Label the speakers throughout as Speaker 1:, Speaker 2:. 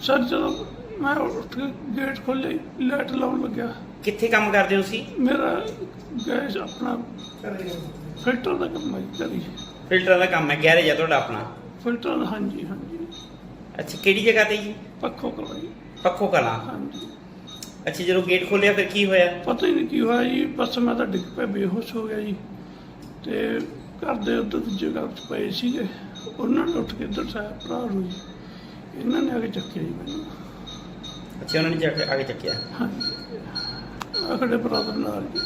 Speaker 1: Sir जो मैं उठ के गेट खोले लाइट लाउन लग गया।
Speaker 2: कित्थे काम करदे हो तुसीं?
Speaker 1: मेरा गैस अपना फिल्टर का काम है करी
Speaker 2: फिल्टर का काम है, गैरेज है तुहाडा अपना?
Speaker 1: फिल्टर हाँ जी हाँ जी।
Speaker 2: अच्छा, किहड़ी जगह ते जी?
Speaker 1: पक्खो कला जी।
Speaker 2: पक्खो कला।
Speaker 1: हाँ जी।
Speaker 2: अच्छा, जो गेट खोलिया फिर की होया?
Speaker 1: पता ही नहीं की हुआ जी, बस मैं तो डिग पे बेहोश हो गया जी। तो घर दे उधर दूजे घर च पे सीगे, उन्होंने उठ के इधर साया भरा नूं जी, इन्होंने आके चक्किया जी मैनूं।
Speaker 2: अच्छा, उन्होंने जाके आगे चक्किया?
Speaker 1: हाँ जी, आखड़े बराबर नाल जी।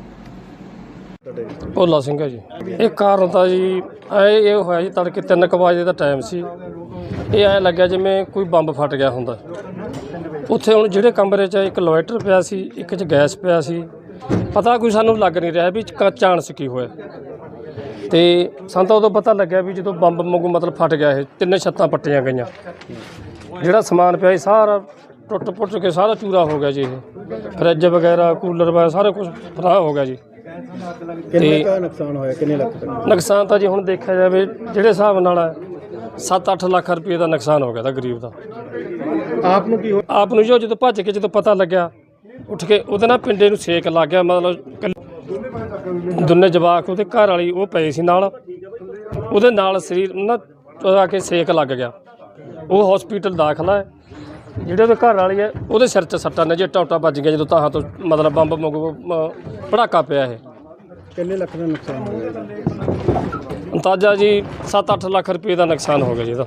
Speaker 3: ਭੋਲਾ ਸਿੰਘ ਹੈ ਜੀ। ਇਹ ਕਾਰਨ ਤਾਂ ਜੀ ਇਹ ਹੋਇਆ ਜੀ ਤੜਕੇ 3 ਵਜੇ ਦਾ ਟਾਈਮ ਸੀ। ਇਹ ਐਂ ਲੱਗਿਆ ਜਿਵੇਂ ਕੋਈ ਬੰਬ ਫਟ ਗਿਆ ਹੁੰਦਾ। ਉੱਥੇ ਹੁਣ ਜਿਹੜੇ ਕਮਰੇ 'ਚ ਇੱਕ ਇਨਵਰਟਰ ਪਿਆ ਸੀ, ਇੱਕ 'ਚ ਗੈਸ ਪਿਆ ਸੀ, ਪਤਾ ਕੋਈ ਸਾਨੂੰ ਲੱਗ ਨਹੀਂ ਰਿਹਾ ਵੀ ਚਾਂਸ ਕੀ ਹੋਇਆ। ਅਤੇ ਸਾਨੂੰ ਤਾਂ ਉਦੋਂ ਪਤਾ ਲੱਗਿਆ ਵੀ ਜਦੋਂ ਬੰਬ ਵਾਂਗੂ ਮਤਲਬ ਫਟ ਗਿਆ, ਇਹ 3 ਛੱਤਾਂ ਪੱਟੀਆਂ ਗਈਆਂ, ਜਿਹੜਾ ਸਮਾਨ ਪਿਆ ਸੀ ਸਾਰਾ ਟੁੱਟ ਪੁੱਟ ਕੇ ਸਾਰਾ ਚੂਰਾ ਹੋ ਗਿਆ ਜੀ। ਇਹ ਫਰਿੱਜ ਵਗੈਰਾ, ਕੂਲਰ ਵਗੈਰਾ ਸਾਰਾ ਕੁਛ ਫਰਾਹ ਹੋ ਗਿਆ ਜੀ।
Speaker 4: ਕਿੰਨੇ ਦਾ ਨੁਕਸਾਨ ਹੋਇਆ, ਕਿੰਨੇ ਲੱਖ ਦਾ
Speaker 3: ਨੁਕਸਾਨ ਤਾਂ ਜੀ ਹੁਣ ਦੇਖਿਆ ਜਾਵੇ ਜਿਹੜੇ ਹਿਸਾਬ ਨਾਲ 7-8 ਲੱਖ ਰੁਪਏ ਦਾ ਨੁਕਸਾਨ ਹੋ ਗਿਆ ਤਾਂ ਗਰੀਬ ਦਾ।
Speaker 4: ਆਪ ਨੂੰ ਕੀ
Speaker 3: ਆਪ ਨੂੰ ਜਦੋਂ ਭੱਜ ਕੇ ਜਦੋਂ ਪਤਾ ਲੱਗਿਆ, ਉੱਠ ਕੇ ਉਹਦੇ ਨਾਲ ਪਿੰਡੇ ਨੂੰ ਸੇਕ ਲੱਗ ਗਿਆ। ਮਤਲਬ ਦੋਨੇ ਜਵਾਕ ਉਹਦੇ ਘਰ ਵਾਲੀ ਉਹ ਪਏ ਸੀ ਨਾਲ, ਉਹਦੇ ਨਾਲ ਸਰੀਰ ਨਾ ਆ ਕੇ ਸੇਕ ਲੱਗ ਗਿਆ। ਉਹ ਹੌਸਪੀਟਲ ਦਾਖਲਾ ਹੈ। ਜਿਹੜੇ ਉਹਦੇ ਘਰ ਵਾਲੀ ਹੈ ਉਹਦੇ ਸਿਰ 'ਚ ਸੱਟਾਂ ਨੇ ਜੀ, ਟੌਟਾ ਵੱਜ ਗਿਆ ਜਦੋਂ ਤਾਹਾਂ ਤੋਂ ਮਤਲਬ ਬੰਬ ਵਾਂਗੂ ਪੜਾਕਾ ਪਿਆ। ਇਹ
Speaker 4: ਕਿੰਨੇ ਲੱਖ ਦਾ ਨੁਕਸਾਨ ਹੋਇਆ?
Speaker 3: ਅੰਦਾਜ਼ਾ ਜੀ 7-8 ਲੱਖ ਰੁਪਏ ਦਾ ਨੁਕਸਾਨ ਹੋ ਗਿਆ ਜੀ ਇਹਦਾ।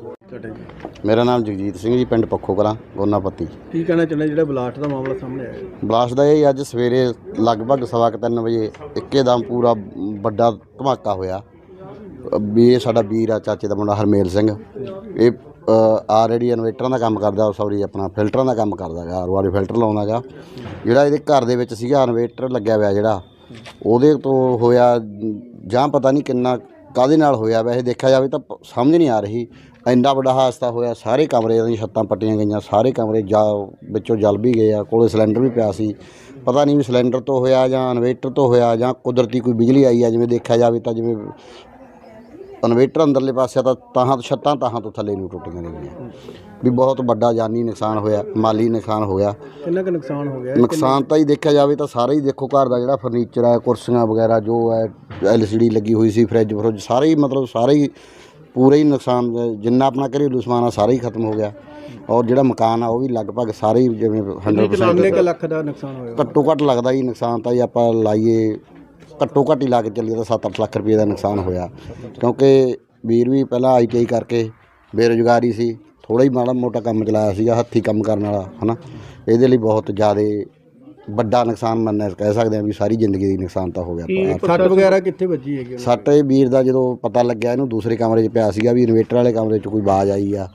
Speaker 5: ਮੇਰਾ ਨਾਮ ਜਗਜੀਤ ਸਿੰਘ ਜੀ, ਪਿੰਡ ਪੱਖੋ ਕਲਾਂ, ਗੋਨਾਪੱਤੀ।
Speaker 4: ਕੀ ਕਹਿਣਾ ਚਾਹੁੰਦੇ ਜਿਹੜਾ ਬਲਾਸਟ ਦਾ ਮਾਮਲਾ ਸਾਹਮਣੇ ਆਇਆ?
Speaker 5: ਬਲਾਸਟ ਦਾ ਇਹ ਅੱਜ ਸਵੇਰੇ ਲਗਭਗ 3:15 ਵਜੇ ਇੱਕਦਮ ਪੂਰਾ ਵੱਡਾ ਧਮਾਕਾ ਹੋਇਆ। ਵੀ ਇਹ ਸਾਡਾ ਵੀਰ ਆ, ਚਾਚੇ ਦਾ ਮੁੰਡਾ ਹਰਮੇਲ ਸਿੰਘ। ਇਹ ਆਲਰੇਡੀ ਇਨਵੇਟਰਾਂ ਦਾ ਕੰਮ ਕਰਦਾ, ਸੌਰੀ ਆਪਣਾ ਫਿਲਟਰਾਂ ਦਾ ਕੰਮ ਕਰਦਾ ਗਾ, ਆਰ ਫਿਲਟਰ ਲਾਉਂਦਾ ਗਾ। ਜਿਹੜਾ ਇਹਦੇ ਘਰ ਦੇ ਵਿੱਚ ਸੀਗਾ ਇਨਵੇਟਰ ਲੱਗਿਆ ਹੋਇਆ ਜਿਹੜਾ, ਉਹਦੇ ਤੋਂ ਹੋਇਆ ਜਾਂ ਪਤਾ ਨਹੀਂ ਕਿੰਨਾ ਕਾਹਦੇ ਨਾਲ ਹੋਇਆ। ਵੈਸੇ ਦੇਖਿਆ ਜਾਵੇ ਤਾਂ ਸਮਝ ਨਹੀਂ ਆ ਰਹੀ, ਇੰਨਾ ਵੱਡਾ ਹਾਦਸਾ ਹੋਇਆ। ਸਾਰੇ ਕਮਰੇ ਦੀਆਂ ਛੱਤਾਂ ਪੱਟੀਆਂ ਗਈਆਂ, ਸਾਰੇ ਕਮਰੇ ਵਿੱਚੋਂ ਜਲ ਵੀ ਗਏ ਆ। ਕੋਲੇ ਸਿਲੰਡਰ ਵੀ ਪਿਆ ਸੀ, ਪਤਾ ਨਹੀਂ ਵੀ ਸਿਲੰਡਰ ਤੋਂ ਹੋਇਆ ਜਾਂ ਇਨਵੇਟਰ ਤੋਂ ਹੋਇਆ ਜਾਂ ਕੁਦਰਤੀ ਕੋਈ ਬਿਜਲੀ ਆਈ ਆ। ਜਿਵੇਂ ਦੇਖਿਆ ਜਾਵੇ ਤਾਂ ਜਿਵੇਂ ਇਨਵੇਟਰ ਅੰਦਰਲੇ ਪਾਸੇ ਤਾਂ ਤਾਹਾਂ ਤੋਂ ਛੱਤਾਂ ਤਾਹਾਂ ਤੋਂ ਥੱਲੇ ਨੂੰ ਟੁੱਟੀਆਂ ਗਈਆਂ। ਵੀ ਬਹੁਤ ਵੱਡਾ ਜਾਨੀ ਨੁਕਸਾਨ ਹੋਇਆ, ਮਾਲੀ ਨੁਕਸਾਨ ਹੋਇਆ।
Speaker 4: ਕਿੰਨਾ ਕੁ ਨੁਕਸਾਨ ਹੋ ਗਿਆ?
Speaker 5: ਨੁਕਸਾਨ ਤਾਂ ਹੀ ਦੇਖਿਆ ਜਾਵੇ ਤਾਂ ਸਾਰਾ ਹੀ ਦੇਖੋ, ਘਰ ਦਾ ਜਿਹੜਾ ਫਰਨੀਚਰ ਹੈ, ਕੁਰਸੀਆਂ ਵਗੈਰਾ ਜੋ ਹੈ, LCD ਲੱਗੀ ਹੋਈ ਸੀ, ਫਰਿੱਜ ਫਰੁੱਜ ਸਾਰੇ ਹੀ ਮਤਲਬ ਸਾਰੇ ਹੀ ਪੂਰੇ ਹੀ ਨੁਕਸਾਨ, ਜਿੰਨਾ ਆਪਣਾ ਘਰੇਲੂ ਸਮਾਨ ਆ ਸਾਰਾ ਹੀ ਖਤਮ ਹੋ ਗਿਆ। ਔਰ ਜਿਹੜਾ ਮਕਾਨ ਆ ਉਹ ਵੀ ਲਗਭਗ ਸਾਰੇ ਹੀ ਜਿਵੇਂ 100%
Speaker 4: ਕਿੰਨੇ ਲੱਖ ਦਾ ਨੁਕਸਾਨ ਹੋਇਆ?
Speaker 5: ਘੱਟੋ ਘੱਟ ਲੱਗਦਾ ਜੀ ਨੁਕਸਾਨ ਤਾਂ ਜੀ ਆਪਾਂ ਲਾਈਏ ਘੱਟੋ ਘੱਟ ਹੀ ਲਾ ਕੇ ਚੱਲੀਏ ਤਾਂ 7-8 ਲੱਖ ਰੁਪਏ ਦਾ ਨੁਕਸਾਨ ਹੋਇਆ। ਕਿਉਂਕਿ ਵੀਰ ਵੀ ਪਹਿਲਾਂ ITI ਕਰਕੇ ਬੇਰੁਜ਼ਗਾਰੀ ਸੀ, ਥੋੜ੍ਹਾ ਹੀ ਮਾੜਾ ਮੋਟਾ ਕੰਮ ਚਲਾਇਆ ਸੀਗਾ, ਹੱਥੀਂ ਕੰਮ ਕਰਨ ਵਾਲਾ ਹੈ ਨਾ। ਇਹਦੇ ਲਈ ਬਹੁਤ ਜ਼ਿਆਦਾ ਵੱਡਾ ਨੁਕਸਾਨ ਮੰਨਿਆ ਕਹਿ ਸਕਦੇ ਹਾਂ ਵੀ ਸਾਰੀ ਜ਼ਿੰਦਗੀ ਦੀ ਨੁਕਸਾਨ ਤਾਂ ਹੋ ਗਿਆ।
Speaker 4: ਸੱਟ ਵਗੈਰਾ ਕਿੱਥੇ ਵੱਜੀ ਹੈਗੀ?
Speaker 5: ਸੱਟ ਇਹ ਵੀਰ ਦਾ ਜਦੋਂ ਪਤਾ ਲੱਗਿਆ, ਇਹਨੂੰ ਦੂਸਰੇ ਕਮਰੇ 'ਚ ਪਿਆ ਸੀਗਾ ਵੀ ਇਨਵੇਟਰ ਵਾਲੇ ਕਮਰੇ 'ਚ ਕੋਈ ਆਵਾਜ਼ ਆਈ ਆ,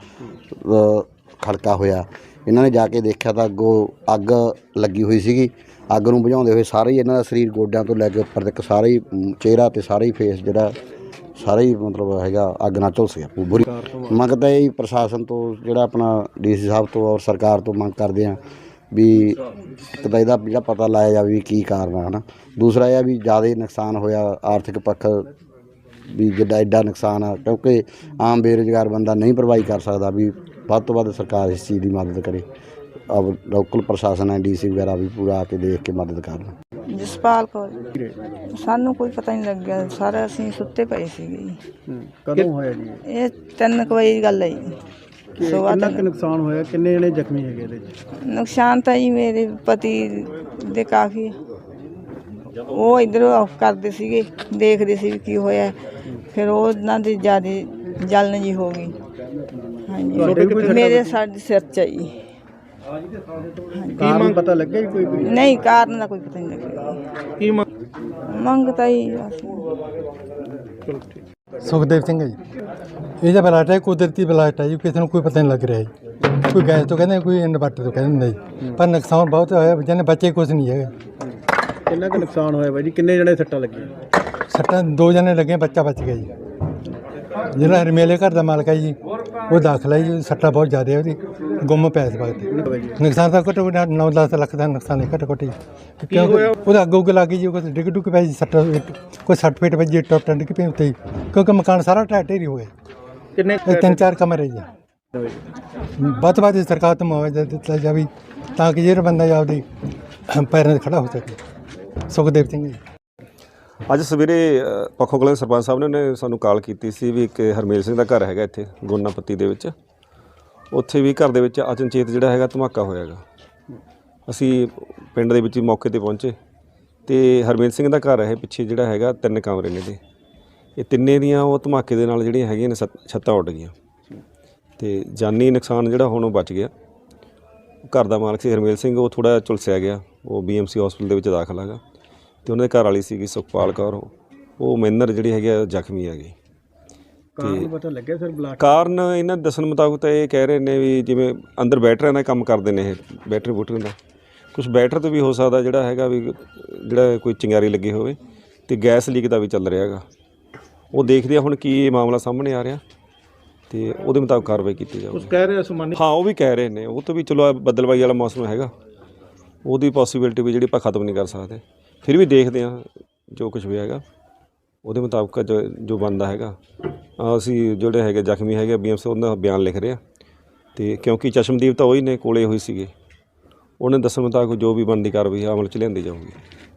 Speaker 5: ਖੜਕਾ ਹੋਇਆ। ਇਹਨਾਂ ਨੇ ਜਾ ਕੇ ਦੇਖਿਆ ਤਾਂ ਅੱਗੋਂ ਅੱਗ ਲੱਗੀ ਹੋਈ ਸੀਗੀ। ਅੱਗ ਨੂੰ ਬੁਝਾਉਂਦੇ ਹੋਏ ਸਾਰੇ ਹੀ ਇਹਨਾਂ ਦਾ ਸਰੀਰ ਗੋਡਿਆਂ ਤੋਂ ਲੈ ਕੇ ਉੱਪਰ ਤੱਕ ਸਾਰਾ ਹੀ ਚਿਹਰਾ ਅਤੇ ਸਾਰਾ ਹੀ ਫੇਸ ਜਿਹੜਾ ਸਾਰਾ ਹੀ ਮਤਲਬ ਹੈਗਾ ਅੱਗ ਨਾਲ ਝੁਲਸ ਗਿਆ। ਬੁਰੀ ਮੰਗ ਤਾਂ ਇਹ ਪ੍ਰਸ਼ਾਸਨ ਤੋਂ ਜਿਹੜਾ ਆਪਣਾ DC ਸਾਹਿਬ ਤੋਂ ਔਰ ਸਰਕਾਰ ਤੋਂ ਮੰਗ ਕਰਦੇ ਹਾਂ ਵੀ ਇੱਕ ਤਾਂ ਇਹਦਾ ਜਿਹੜਾ ਪਤਾ ਲਾਇਆ ਜਾਵੇ ਵੀ ਕੀ ਕਾਰਨ ਆ, ਹੈ ਨਾ। ਦੂਸਰਾ ਇਹ ਵੀ ਜ਼ਿਆਦਾ ਨੁਕਸਾਨ ਹੋਇਆ ਆਰਥਿਕ ਪੱਖ, ਵੀ ਜਿੱਡਾ ਐਡਾ ਨੁਕਸਾਨ ਆ, ਕਿਉਂਕਿ ਆਮ ਬੇਰੁਜ਼ਗਾਰ ਬੰਦਾ ਨਹੀਂ ਭਰਵਾਈ ਕਰ ਸਕਦਾ। ਵੀ ਵੱਧ ਤੋਂ ਵੱਧ ਸਰਕਾਰ ਇਸ ਚੀਜ਼ ਦੀ ਮਦਦ ਕਰੇ। ਲੋਕਲ ਪ੍ਰਸ਼ਾਸਨ ਹੈ, DC ਵਗੈਰਾ ਵੀ ਪੂਰਾ ਆ ਕੇ ਦੇਖ ਕੇ ਮਦਦ ਕਰਨ।
Speaker 6: ਜਸਪਾਲ ਕੌਰ। ਸਾਨੂੰ ਕੋਈ ਪਤਾ ਨਹੀਂ ਲੱਗਿਆ, ਸਾਰੇ ਅਸੀਂ ਸੁੱਤੇ ਪਏ ਸੀਗੇ ਜੀ।
Speaker 4: ਕਦੋਂ ਹੋਇਆ ਜੀ
Speaker 6: ਇਹ 3 ਵਜੇ ਦੀ ਗੱਲ ਹੈ ਜੀ।
Speaker 4: ਕਿੰਨਾ ਕੁ ਨੁਕਸਾਨ ਹੋਇਆ? ਕਿੰਨੇ ਜਣੇ ਜ਼ਖਮੀ ਹੈਗੇ ਇਹਦੇ 'ਚ?
Speaker 6: ਨੁਕਸਾਨ ਤਾਂ ਜੀ ਮੇਰੇ ਪਤੀ ਦੇ ਕਾਫੀ, ਉਹ ਇੱਧਰੋਂ ਕਰਦੇ ਸੀਗੇ, ਦੇਖਦੇ ਸੀ ਵੀ ਕੀ ਹੋਇਆ। ਫਿਰ ਉਹਨਾਂ ਦੀ ਜ਼ਿਆਦਾ ਜਲਨ ਜੀ ਹੋ ਗਈ। ਹਾਂਜੀ, ਮੇਰੇ ਸਾਡੇ ਸਿਰ 'ਚ ਜੀ।
Speaker 4: ਕਾਰਨ ਪਤਾ ਲੱਗਿਆ ਜੀ ਕੋਈ?
Speaker 6: ਨਹੀਂ, ਕਾਰਨ ਦਾ ਕੋਈ ਪਤਾ ਨਹੀਂ ਲੱਗਿਆ।
Speaker 4: ਕੀ
Speaker 6: ਮੰਗ ਤਾਂ ਹੀ
Speaker 7: ਸੁਖਦੇਵ ਸਿੰਘ ਹੈ ਜੀ। ਇਹਦਾ ਬਲਾਸਟ ਹੈ, ਕੁਦਰਤੀ ਬਲਾਸਟ ਹੈ ਜੀ, ਕਿਸੇ ਨੂੰ ਕੋਈ ਪਤਾ ਨਹੀਂ ਲੱਗ ਰਿਹਾ ਜੀ। ਕੋਈ ਗੈਸ ਤੋਂ ਕਹਿੰਦੇ, ਕੋਈ ਇਨਵਰਟਰ ਤੋਂ ਕਹਿੰਦੇ ਨਹੀਂ, ਪਰ ਨੁਕਸਾਨ ਬਹੁਤ ਹੋਇਆ। ਜਿਹਨੇ ਬੱਚੇ ਕੁਛ ਨਹੀਂ ਹੈਗਾ।
Speaker 4: ਕਿੰਨਾ ਕੁ ਨੁਕਸਾਨ ਹੋਇਆ ਬਾਈ ਜੀ? ਕਿੰਨੇ ਜਣੇ ਸੱਟਾਂ ਲੱਗੀਆਂ?
Speaker 7: ਸੱਟਾਂ 2 ਜਣੇ ਲੱਗੇ, ਬੱਚਾ ਬਚ ਗਿਆ ਜੀ। ਜਿਹੜਾ ਹਰਮੇਲੇ ਘਰ ਦਾ ਮਾਲਕ ਹੈ ਜੀ, ਉਹ ਦਾਖਲਾ ਹੈ ਜੀ। ਸੱਟਾਂ ਬਹੁਤ ਜ਼ਿਆਦਾ ਉਹਦੀ, ਗੁੰਮ ਪਿਆ ਇਸ ਵਕਤ। ਨੁਕਸਾਨ ਤਾਂ ਘੱਟੋ ਘੱਟ 9-10 ਲੱਖ ਦਾ ਨੁਕਸਾਨ ਹੈ ਘੱਟੋ ਘੱਟ ਜੀ। ਕਿਉਂਕਿ ਉਹਦਾ ਅੱਗ ਉੱਗ ਲੱਗ ਗਈ ਜੀ, ਉਹ ਡਿੱਗ ਡੁੱਗ ਪਿਆ ਜੀ। ਸੱਟਾਂ ਕੋਈ 60 ਫੀਟ ਵੱਜੀ, ਟੁੱਟ ਡਿੱਗ ਪਈ ਉੱਤੇ, ਕਿਉਂਕਿ ਮਕਾਨ ਸਾਰਾ ਢਹਿ ਢੇਰੀ ਹੋ ਗਿਆ।
Speaker 4: ਕਿੰਨੇ
Speaker 7: 3-4 ਕਮਰੇ ਜੀ। ਵੱਧ ਤੋਂ ਵੱਧ ਸਰਕਾਰ ਤੋਂ ਮੁਆਵਜ਼ਾ ਦਿੱਤਾ ਜਾਵੇ ਤਾਂ ਕਿ ਜਿਹੜਾ ਬੰਦਾ ਆਪਦੇ ਪੈਰਾਂ 'ਤੇ ਖੜਾ ਹੋ ਸਕੇ। ਸੁਖਦੇਵ ਸਿੰਘ ਜੀ।
Speaker 8: ਅੱਜ ਸਵੇਰੇ ਪੱਖੋ ਕਲਾਂ ਦੇ ਸਰਪੰਚ ਸਾਹਿਬ ਨੇ ਸਾਨੂੰ ਕਾਲ ਕੀਤੀ ਸੀ ਵੀ ਇੱਕ ਹਰਮੇਲ ਸਿੰਘ ਦਾ ਘਰ ਹੈਗਾ ਇੱਥੇ ਗੋਨਾਪੱਤੀ ਦੇ ਵਿੱਚ, ਉੱਥੇ ਵੀ ਘਰ ਦੇ ਵਿੱਚ ਅਚਨਚੇਤ ਜਿਹੜਾ ਹੈਗਾ ਧਮਾਕਾ ਹੋਇਆ ਹੈਗਾ। ਅਸੀਂ ਪਿੰਡ ਦੇ ਵਿੱਚ ਹੀ ਮੌਕੇ ਤੇ ਪਹੁੰਚੇ ਤੇ ਹਰਮੇਲ ਸਿੰਘ ਦਾ ਘਰ ਹੈ ਪਿੱਛੇ ਜਿਹੜਾ ਹੈਗਾ 3 ਕਮਰੇ ਨੇ ਇਹਦੇ, ਇਹ ਤਿੰਨੇ ਦੀਆਂ ਉਹ ਧਮਾਕੇ ਦੇ ਨਾਲ ਜਿਹੜੀਆਂ ਹੈਗੀਆਂ ਨੇ ਛੱਤਾਂ ਉੱਡ ਗਈਆਂ ਤੇ ਜਾਨੀ ਨੁਕਸਾਨ ਜਿਹੜਾ ਹੁਣ ਉਹ ਬਚ ਗਿਆ। ਘਰ ਦਾ ਮਾਲਕ ਸੀ ਹਰਮੇਲ ਸਿੰਘ, ਉਹ ਥੋੜ੍ਹਾ ਝੁਲਸਿਆ ਗਿਆ, ਉਹ BMC ਹਸਪੀਟਲ ਦੇ ਵਿੱਚ ਦਾਖਲ ਹੈਗਾ ਤੇ ਉਹਨਾਂ ਦੇ ਘਰ ਵਾਲੀ ਸੀਗੀ ਸੁਖਪਾਲ ਕੌਰ, ਉਹ ਮੈਨਰ ਜਿਹੜੀ ਹੈਗੀ ਆ ਜ਼ਖਮੀ ਹੈਗੀ।
Speaker 4: ਕਾਰਨ ਪਤਾ ਲੱਗਿਆ ਸਰ ਬਲਾਸਟ
Speaker 8: ਕਾਰਨ ਇਹਨਾਂ ਦੇ ਦੱਸਣ ਮੁਤਾਬਕ ਤਾਂ ਇਹ ਕਹਿ ਰਹੇ ਨੇ ਵੀ ਜਿਵੇਂ ਅੰਦਰ ਬੈਟਰੀਆਂ ਦਾ ਕੰਮ ਕਰਦੇ ਨੇ, ਇਹ ਬੈਟਰੀ ਬੂਟਰੀ ਦਾ ਕੁਝ ਬੈਟਰ ਤੋਂ ਵੀ ਹੋ ਸਕਦਾ ਜਿਹੜਾ ਹੈਗਾ ਵੀ ਜਿਹੜਾ ਕੋਈ ਚਿੰਗਾਰੀ ਲੱਗੀ ਹੋਵੇ ਤੇ ਗੈਸ ਲੀਕ ਦਾ ਵੀ ਚੱਲ ਰਿਹਾ ਹੈਗਾ। ਉਹ ਦੇਖਦੇ ਆ ਹੁਣ ਕੀ ਇਹ ਮਾਮਲਾ ਸਾਹਮਣੇ ਆ ਰਿਹਾ ਤੇ ਉਹਦੇ ਮੁਤਾਬਕ ਕਾਰਵਾਈ ਕੀਤੀ ਜਾਊਗੀ।
Speaker 4: ਕਹਿ ਰਹੇ ਅਸਮਾਨੀ
Speaker 8: ਹਾਂ ਉਹ ਵੀ ਕਹਿ ਰਹੇ ਨੇ, ਉਹ ਤੋਂ ਵੀ ਚਲੋ ਬੱਦਲਬਾਈ ਵਾਲਾ ਮੌਸਮ ਹੈਗਾ, ਉਹਦੀ ਪੋਸੀਬਿਲਿਟੀ ਵੀ ਜਿਹੜੀ ਆਪਾਂ ਖਤਮ ਨਹੀਂ ਕਰ ਸਕਦੇ, ਫਿਰ ਵੀ ਦੇਖਦੇ ਹਾਂ ਜੋ ਕੁਝ ਵੀ ਹੈਗਾ ਉਹਦੇ ਮੁਤਾਬਕ ਜੋ ਬਣਦਾ ਹੈਗਾ। ਅਸੀਂ ਜਿਹੜੇ ਹੈਗੇ ਜ਼ਖਮੀ ਹੈਗੇ BMC ਉਹਨਾਂ ਦਾ ਬਿਆਨ ਲਿਖ ਰਹੇ ਹਾਂ ਤੇ ਕਿਉਂਕਿ ਚਸ਼ਮਦੀਪ ਤਾਂ ਉਹੀ ਨੇ ਕੋਲੇ ਹੋਈ ਸੀਗੇ, ਉਹਨੇ ਦੱਸਣ ਮੁਤਾਬਕ ਜੋ ਵੀ ਬਣਦੀ ਕਾਰਵਾਈ ਅਮਲ 'ਚ ਲਿਆਂਦੀ ਜਾਊਗੀ।